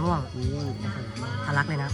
ม่วงทะลักเลยนะ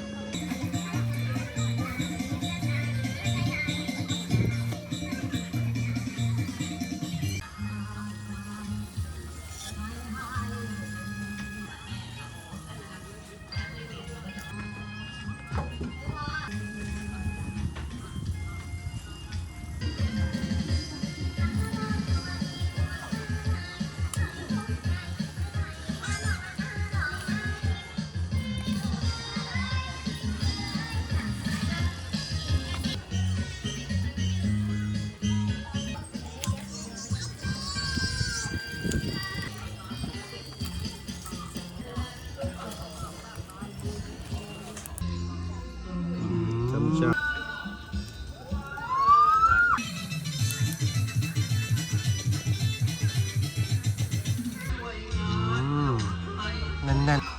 แน่นๆ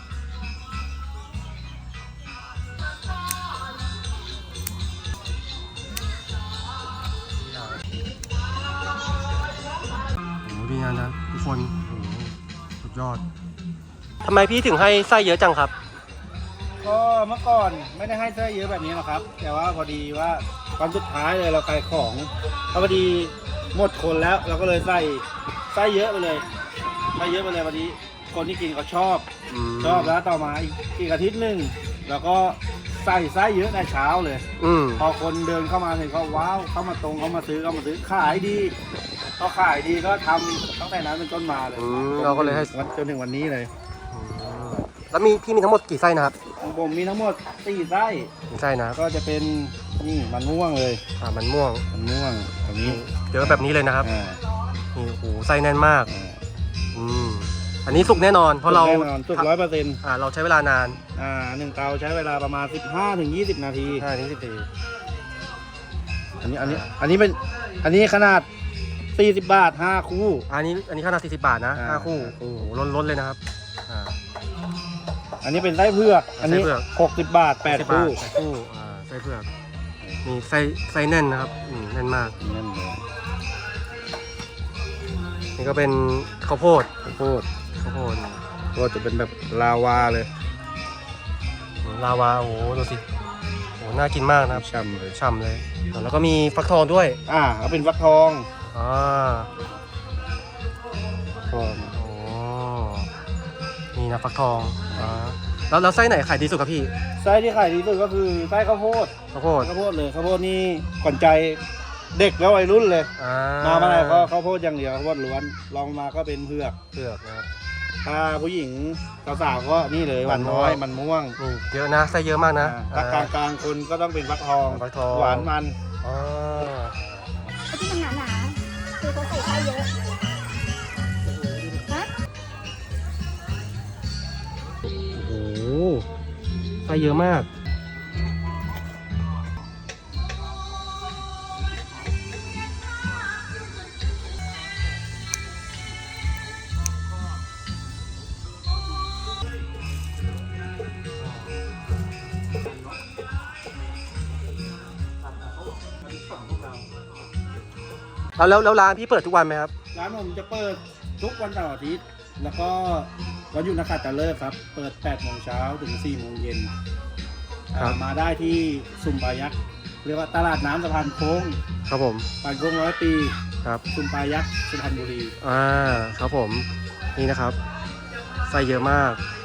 โอ้ดีนะทุกคนโอ้สุดยอดทำไมพี่ถึงให้ไส้เยอะจังครับก็เมื่อก่อนไม่ได้ให้ไส้เยอะแบบนี้หรอกครับแต่ว่าพอดีว่าตอนสุดท้ายเลยเราขายของพอดีหมดคนแล้วเราก็เลยใส่ไส้เยอะไปเลยพอดีคนที่กินเขาชอบแล้วต่อมาอีกอาทิตย์หนึ่งแล้วก็ใส่ไส้เยอะในเช้าเลยพอคนเดินเข้ามาเห็นเขาว้าวเข้ามาซื้อขายดีก็ขายดีก็ทำตั้งแต่นั้นเป็นต้นมาเลยเราก็เลยให้จนถึงวันนี้เลยแล้วพี่มีทั้งหมดกี่ไส้นะครับผมมีทั้งหมด4 ไส้นะก็จะเป็นนี่มันม่วงเลยมันม่วงแบบนี้เยอะแบบนี้เลยนะครับนี่โอ้โหไส้แน่นมากอันนี้สุกแน่นอนเพราะเราสุก100% เราใช้เวลานาน 1 เตาใช้เวลาประมาณ15-20 นาทีอันนี้ขนาด40 บาท5 คู่อันนี้ขนาด40 บาทนะ5 คู่โอ้โหล้นเลยนะครับอันนี้เป็นไส้เผือกอันนี้60 บาท8 คู่ไส้เผือกมีไส้แน่นนะครับแน่นมากนี่ก็เป็นข้าวโพดก็จะเป็นแบบลาวาเลยโอ้โหดูสิโอ้น่ากินมากนะครับฉ่ำเลยแล้วก็มีฟักทองด้วยก็เป็นฟักทองโอ้นี่นะฟักทองแล้วไส้ไหนขายดีสุดครับพี่ไส้ที่ขายดีสุดก็คือไส้ข้าวโพดเลยข้าวโพดนี่ขวัญใจเด็กแล้ววัยรุ่นเลยมาเมื่อไหร่ก็ข้าวโพดอย่างเดียวข้าวโพดล้วนลองมาก็เป็นเผือกนะครับถ้าผู้หญิงสาวๆก็นี่เลยหวานน้อยมันม่วงเยอะนะไส้เยอะมากนะถ้ากลางคนก็ต้องเป็นฟักทองหวานมันที่มันหนาคือเขาใส่ไส้เยอะโอ้โหไส้เยอะมากแล้วร้านพี่เปิดทุกวันไหมครับร้านผมจะเปิดทุกวันเสาร์อาทิตย์แล้วก็วันหยุดนักขัตฤกษ์ครับเปิด8 โมงเช้าถึง4 โมงเย็นมาได้ที่ซุมปายักษ์เรียกว่าตลาดน้ำสะพานโค้งครับผมสะพานโค้ง100 ปีครับซุมปายักษ์สุพรรณบุรีครับผมนี่นะครับไส้เยอะมาก